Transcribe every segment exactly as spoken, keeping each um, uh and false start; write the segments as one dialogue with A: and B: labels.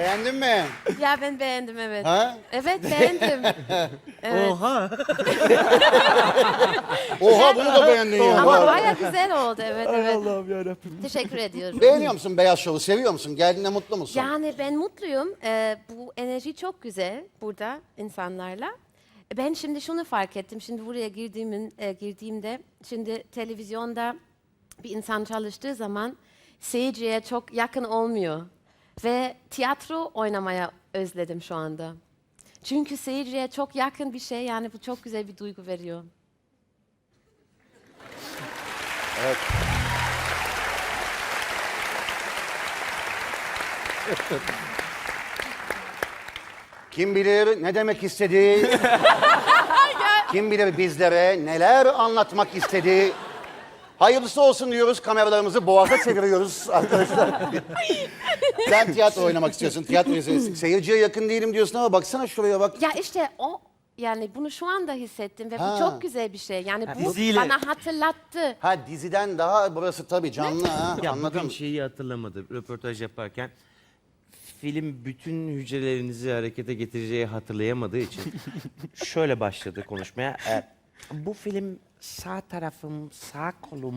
A: Beğendin mi?
B: Ya ben beğendim evet.
A: Ha?
B: Evet beğendim. Evet.
C: Oha.
A: Oha bunu da beğendin ya.
B: Ama baya güzel oldu evet evet.
C: Allah'ım yarabbim.
B: Teşekkür ediyorum.
A: Beğeniyor musun Beyaz Şov'u? Seviyor musun? Geldiğinde mutlu musun?
B: Yani ben mutluyum. Ee, bu enerji çok güzel burada insanlarla. Ben şimdi şunu fark ettim. Şimdi buraya girdiğimin, e, girdiğimde şimdi televizyonda bir insan çalıştığı zaman seyirciye çok yakın olmuyor. Ve tiyatro oynamaya özledim şu anda. Çünkü seyirciye çok yakın bir şey yani bu çok güzel bir duygu veriyor.
A: Evet. Kim bilir ne demek istediği, kim bilir bizlere neler anlatmak istediği. Hayırlısı olsun diyoruz, kameralarımızı boğaza çeviriyoruz arkadaşlar. Sen tiyatro oynamak istiyorsun, tiyatro izliyorsun. Seyirciye yakın değilim diyorsun ama baksana şuraya bak.
B: Ya işte o yani bunu şu anda hissettim ve
A: Ha.
B: bu çok güzel bir şey. Yani bu
C: diziyle-
B: bana hatırlattı.
A: Ha diziden daha burası tabii canlı ha,
C: Ya
A: anladım.
C: bugün şeyi hatırlamadı röportaj yaparken. Film bütün hücrelerinizi harekete getireceği hatırlayamadığı için şöyle başladı konuşmaya. E, bu film sağ tarafım, sağ kolum,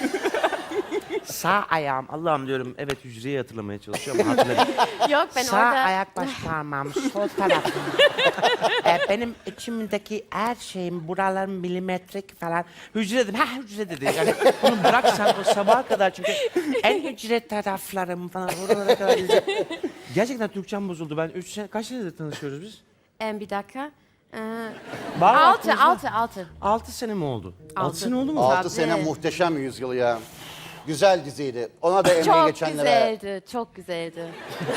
C: sağ ayağım. Allah'ım diyorum evet hücreyi hatırlamaya çalışıyorum ama hatırlamıyorum.
B: Yok ben
D: Sağ
B: orada
D: ayak baş parmağım, sol tarafım. e, benim içimdeki her şeyim, buralarım milimetrik falan.
C: Hücre dedim, ha hücre dedi. Yani bunu bıraksan o sabaha kadar çünkü
D: En hücre taraflarım falan. Oralara kadar izle-
C: gerçekten Türkçem bozuldu. Ben üç sene, kaç senedir tanışıyoruz biz?
B: Em, bir dakika. Ee,
C: Var mı
B: altı,
C: aklınızda?
B: altı, altı.
C: Altı sene mi oldu? Altı,
B: Altı.
C: sene oldu mu?
A: Altı
B: Tabii.
A: sene muhteşem yüzyıl ya. Güzel diziydi. Ona da emeği
B: Çok
A: geçenlere.
B: güzeldi, çok güzeldi.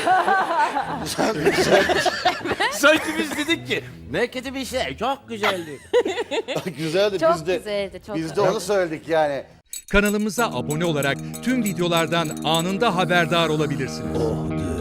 C: Sanki biz dedik ki ne kötü bir şey, çok güzeldi.
A: Güzeldi
B: Çok
A: biz de.
B: güzeldi, çok
A: Biz de
B: güzeldi.
A: onu söyledik yani.
E: Kanalımıza abone olarak tüm videolardan anında haberdar olabilirsiniz.